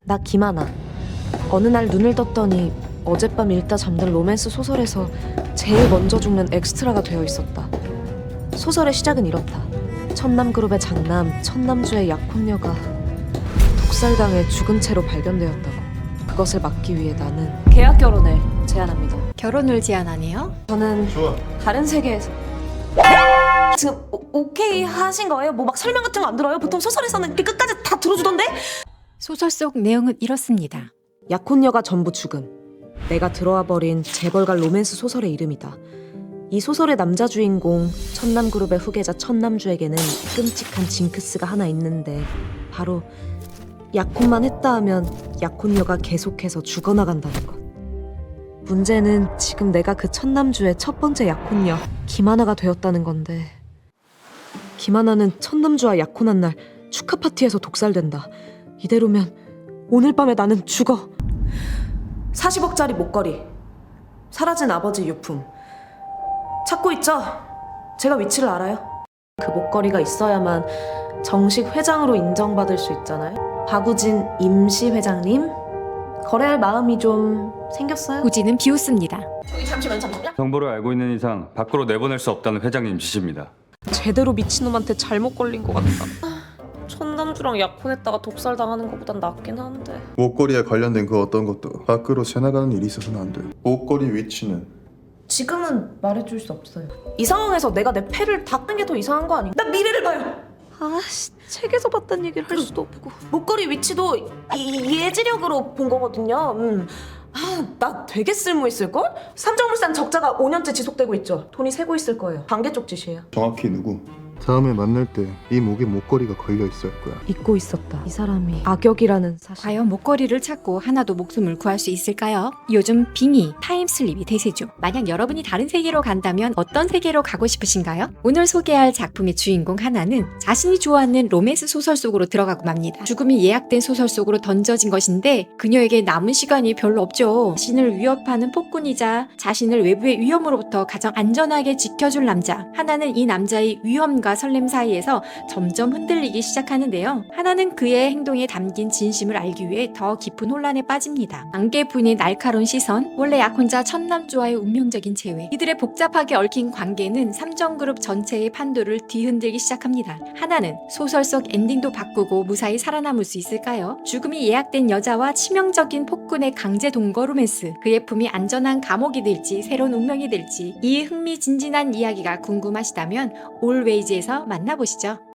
나 김하나. 어느 날 눈을 떴더니 어젯밤 읽다 잠든 로맨스 소설에서 제일 먼저 죽는 엑스트라가 되어 있었다. 소설의 시작은 이렇다. 천남그룹의 장남 천남주의 약혼녀가 독살당해 죽은 채로 발견되었다고. 그것을 막기 위해 나는 계약 결혼을 제안합니다. 결혼을 제안하네요. 저는 좋아. 다른 세계에서 지금 오케이 하신 거예요? 뭐 막 설명 같은 거 안 들어요? 보통 소설에서는 이렇게 끝까지 다 들어주던데? 소설 속 내용은 이렇습니다. 약혼녀가 전부 죽음. 내가 들어와 버린 재벌가 로맨스 소설의 이름이다. 이 소설의 남자 주인공 천남그룹의 후계자 천남주에게는 끔찍한 징크스가 하나 있는데 바로 약혼만 했다 하면 약혼녀가 계속해서 죽어나간다는 것. 문제는 지금 내가 그 천남주의 첫 번째 약혼녀 김하나가 되었다는 건데, 김하나는 천남주와 약혼한 날 축하 파티에서 독살된다. 이대로면 오늘 밤에 나는 죽어. 40억짜리 목걸이, 사라진 아버지 유품 찾고 있죠? 제가 위치를 알아요. 그 목걸이가 있어야만 정식 회장으로 인정받을 수 있잖아요. 박우진 임시 회장님, 거래할 마음이 좀 생겼어요? 후지는 비웃습니다. 저기 잠시만요. 정보를 알고 있는 이상 밖으로 내보낼 수 없다는 회장님 지시입니다. 제대로 미친놈한테 잘못 걸린 것 같다. 천남주랑 약혼했다가 독살당하는 것보단 낫긴 한데. 목걸이에 관련된 그 어떤 것도 밖으로 새나가는 일이 있어서는 안 돼. 목걸이 위치는 지금은 말해줄 수 없어요. 이 상황에서 내가 내 패를 닦는 게 더 이상한 거 아닌가? 나 미래를 봐요. 아씨, 책에서 봤다는 얘기를 할 수도 없고. 목걸이 위치도 예지력으로 본 거거든요. 나 되게 쓸모있을걸? 삼정물산 적자가 5년째 지속되고 있죠. 돈이 새고 있을 거예요. 관계 쪽 짓이에요. 정확히 누구? 다음에 만날 때 이 목에 목걸이가 걸려 있을 거야. 잊고 있었다. 이 사람이 악역이라는 사실. 과연 목걸이를 찾고 하나도 목숨을 구할 수 있을까요? 요즘 빙의, 타임슬립이 대세죠. 만약 여러분이 다른 세계로 간다면 어떤 세계로 가고 싶으신가요? 오늘 소개할 작품의 주인공 하나는 자신이 좋아하는 로맨스 소설 속으로 들어가고 맙니다. 죽음이 예약된 소설 속으로 던져진 것인데 그녀에게 남은 시간이 별로 없죠. 자신을 위협하는 폭군이자 자신을 외부의 위험으로부터 가장 안전하게 지켜줄 남자. 하나는 이 남자의 위험과 설렘 사이에서 점점 흔들리기 시작하는데요. 하나는 그의 행동에 담긴 진심을 알기 위해 더 깊은 혼란에 빠집니다. 안개분의 날카로운 시선, 원래 약혼자 천남주와의 운명적인 재회, 이들의 복잡하게 얽힌 관계는 삼정그룹 전체의 판도를 뒤흔들기 시작합니다. 하나는 소설 속 엔딩도 바꾸고 무사히 살아남을 수 있을까요? 죽음이 예약된 여자와 치명적인 폭군의 강제 동거 로맨스, 그의 품이 안전한 감옥이 될지 새로운 운명이 될지 이 흥미진진한 이야기가 궁금하시다면 올웨이즈에서 만나보시죠.